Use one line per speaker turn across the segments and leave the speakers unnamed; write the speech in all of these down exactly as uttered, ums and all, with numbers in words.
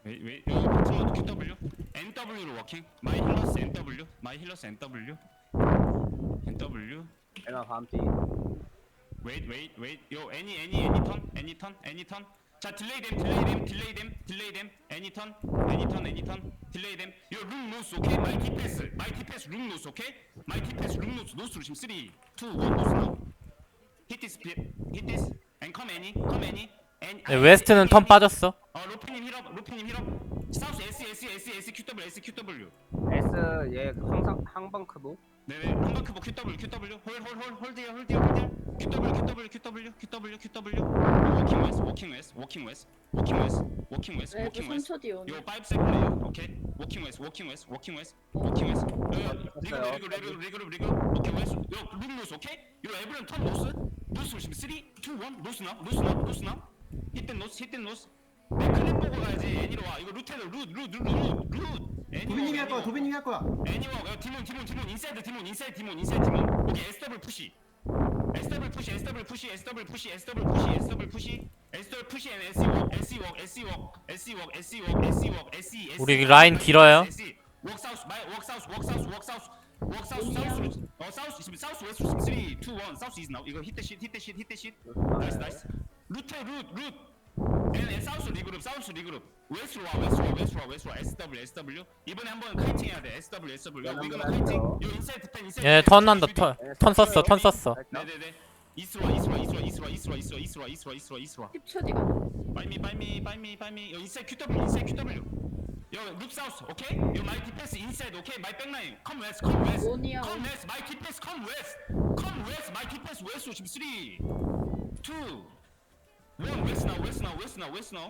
웨이 웨이 요 트로드 큐더블유 엔더블유로 워킹 마이 힐러스 엔더블유 마이 힐러스 엔더블유 엔더블유
에나 반피.
웨이트 웨이트 웨이트 요 애니 애니 애니 턴 애니 턴 애니 턴 자 딜레이 댐 딜레이 댐 딜레이 댐 딜레이 댐 애니 턴 애니 턴 애니 턴 딜레이 댐요룸 노스 오케이 마이 디패스 마이 디패스 룸 노스 오케이 마이 디패스 룸 노스 노스로 지금 쓰리 투 원 노스 나우 hit this hit this and come any come any and
네, 웨스트는 턴 빠졌어.
어 로피님 힐업 로피님 힐업 사우스 S S S S Q W S Q W
S 얘 항상 항방크도.
네네 한바크보 Q W Q W 홀홀홀 홀드야 홀드야 홀드야 Q W Q W Q W Q W Q W 워킹 웨스 워킹 웨스 워킹 웨스 워킹 웨스 워킹 웨스
레드
워킹 웨스
삼 초 뒤에 오네.
요 파이브 세컨드 오케이 워킹 웨스 워킹 웨스 워킹 웨스 워킹 웨스 리그룹 리그룹 리그룹 리그룹 리그룹 오케이 웨스 요룸 노스 오케이 요 에브리언 턴 노스 노스 지금 쓰리 투 원 노스 나 노스 나 노스 나 히트 노스 히트 노스 내 클립 보고 가야지 애니로 와 이거 루테드 룻룻룻룻
도빈님이 할 거야. 도빈님이 할 거야.
애니워 야 디몬 디몬 디몬 인사이드 디몬 인사이드 디몬 인사이드 디몬 오케이 에스더블 푸시 에스더블 푸시 에스더블 푸시 에스더블 푸시 에스더블 푸시 에스더블 푸시 에스더블 푸시 앤 에스이 웍 에스이 웍 에스이 웍 에스이 웍 에스이 웍 에스이 웍 에스이 에스이
우리 라인 길어요.
웍 사우스 마이 웍 사우스 웍 사우스 웍 사우스 웍 사우스 사우스로 어 사우스 지금 사우스 웨스트 지금 쓰리 투 원 사우스 이즈 나우 이거 히트 쉿 히트 쉿 히트 쉿 나이스 나이스 루트 루트 앤 사우스 리그룹 사우스 리그룹 웨스트로 와 웨스트로 와 웨스트로 와 웨스트로 와 에스더블유 에스더블유 이번에 한번 카이팅 해야 돼 에스더블유 에스더블유 야 이거는 카이팅 요 인사이드 펜 인사이드
얘 턴 난다. 턴, 턴 썼어. 턴 썼어.
네네네 이스로 와 이스로 와 이스로 와 이스로 와 이스로 와 이스로 와 이스로 와 이스로 와 이스로 와 이스로 와
십 초 뒤가.
바이미 바이미 바이미 바이미 요 인사이드 큐더블유 인사이드 큐더블유 요룩 사우스 오케이 요 마이 디펜스 인사이드 오케이 마이 백라인 컴 웨스트 컴 웨스트
오니야.
컴 웨스트 마이 디펜스 컴 웨스트 컴 웨스트 마이 디펜스 웨스트로 지금 쓰리 투 원 웨스트 나우 웨스트 나우 웨스트 나우 웨스트 나우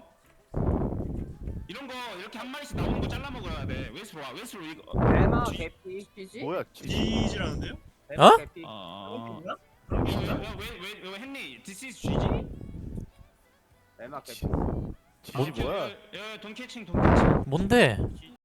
이런 거 이렇게 한 마리씩 나오는 거 잘라 먹어야 돼 웨스트로 와 웨스트로 이거
에나
쥐.
개피.
뒤지?
뭐야?
뒤지라는데요?
에나
어?
개피.
아
그런가?
왜왜왜 헨리 this is 쥐지?
에나 개피.
지지 뭐야?
돈 캐칭 돈 캐칭
뭔데?